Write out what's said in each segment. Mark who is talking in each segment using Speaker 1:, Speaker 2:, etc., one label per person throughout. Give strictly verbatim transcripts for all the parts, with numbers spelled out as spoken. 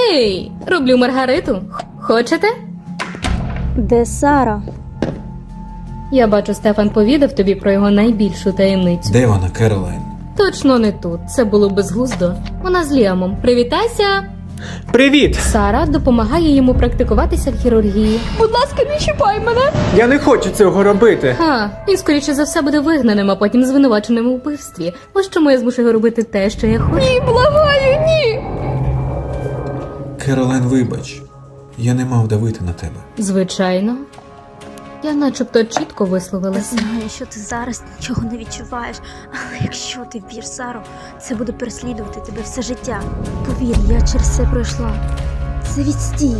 Speaker 1: Гей! Роблю Маргариту. Х- Хочете?
Speaker 2: Де Сара?
Speaker 1: Я бачу, Стефан повідав тобі про його найбільшу таємницю.
Speaker 3: Де вона, Керолайн?
Speaker 1: Точно не тут. Це було безглуздо. Вона з Ліамом. Привітайся!
Speaker 4: Привіт!
Speaker 1: Сара допомагає йому практикуватися в хірургії.
Speaker 2: Будь ласка, не чіпай мене!
Speaker 4: Я не хочу цього робити.
Speaker 1: Ха, він скоріше за все буде вигнаним, а потім звинуваченим у вбивстві. Ось чому я змушу його робити те, що я хочу.
Speaker 2: Ні, благаю, ні!
Speaker 3: Керолайн, вибач. Я не мав давити на тебе.
Speaker 1: Звичайно. Я начебто чітко
Speaker 2: Я
Speaker 1: висловилася.
Speaker 2: знаю, що ти зараз нічого не відчуваєш, але якщо ти вб'єш Сару, це буде переслідувати тебе все життя. Повір, я через це пройшла. Це відстій.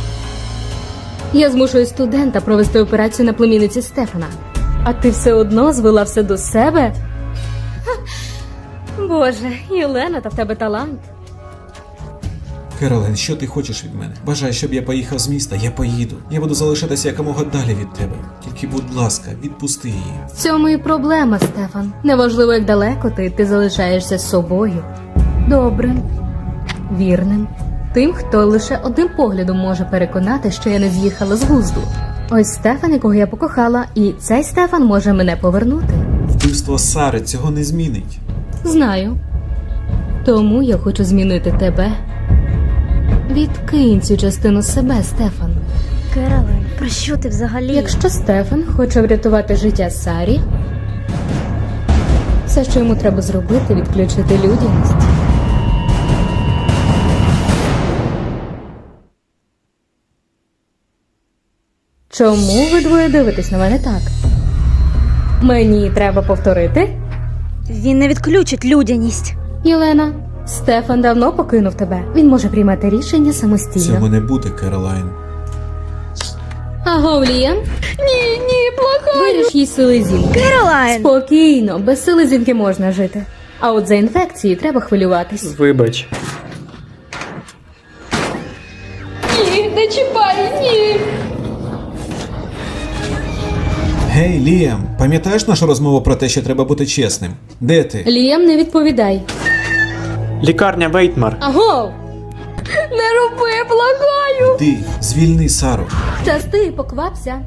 Speaker 1: Я змушую студента провести операцію на племінниці Стефана. А ти все одно звела все до себе? Ха. Боже, Єлена, та в тебе талант.
Speaker 3: Керолайн, що ти хочеш від мене? Бажаєш, щоб я поїхав з міста? Я поїду. Я буду залишатися якомога далі від тебе. Тільки, будь ласка, відпусти її.
Speaker 1: В цьому і проблема, Стефан. Неважливо, як далеко ти, ти залишаєшся з собою. Добрим, вірним. Тим, хто лише одним поглядом може переконати, що я не з'їхала з глузду. Ось Стефан, якого я покохала, і цей Стефан може мене повернути.
Speaker 3: Вбивство Сари цього не змінить.
Speaker 1: Знаю. Тому я хочу змінити тебе. Відкинь цю частину себе, Стефан.
Speaker 2: Керолайн, про що ти взагалі?
Speaker 1: Якщо Стефан хоче врятувати життя Сарі, все, що йому треба зробити, відключити людяність. Чому ви двоє дивитесь на мене так? Мені треба повторити?
Speaker 2: Він не відключить людяність.
Speaker 1: Єлена, Стефан давно покинув тебе. Він може приймати рішення самостійно.
Speaker 3: Цього не буде, Керолайн.
Speaker 1: Аго, Ліам?
Speaker 2: Ні, ні, благаю.
Speaker 1: Виріж їй селезінки.
Speaker 2: Керолайн!
Speaker 1: Спокійно, без селезінки можна жити. А от за інфекції треба хвилюватись.
Speaker 4: Вибач.
Speaker 2: Ні, не чіпай, ні!
Speaker 3: Гей, Ліам, пам'ятаєш нашу розмову про те, що треба бути чесним? Де ти?
Speaker 1: Ліам, не відповідай.
Speaker 4: Лікарня Вейтмар.
Speaker 1: Аго!
Speaker 2: Не роби, благаю!
Speaker 3: Ти, звільни Сару.
Speaker 1: Щасти, поквапся.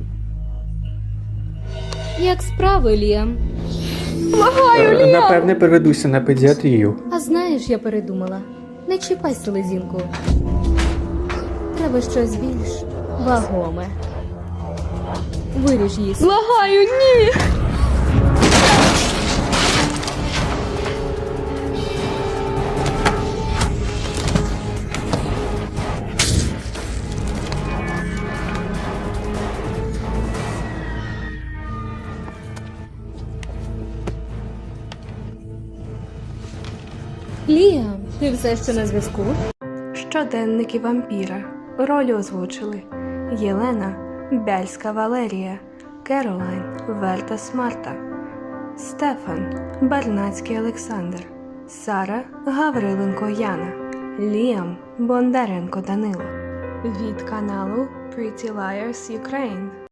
Speaker 1: Як справи, Ліам?
Speaker 4: Е, Напевне, переведуся на педіатрію.
Speaker 1: А знаєш, я передумала. Не чіпай селезінку. Треба щось більш вагоме. Виріж її.
Speaker 2: Благаю, ні!
Speaker 1: Ліам, ти все ще на зв'язку?
Speaker 5: Щоденники вампіра. Ролі озвучили Єлена Бяльська Валерія, Керолайн Вертас Марта, Стефан Барнацький Олександр, Сара Гавриленко Яна, Ліам Бондаренко Данило. Від каналу Pretty Liars Ukraine.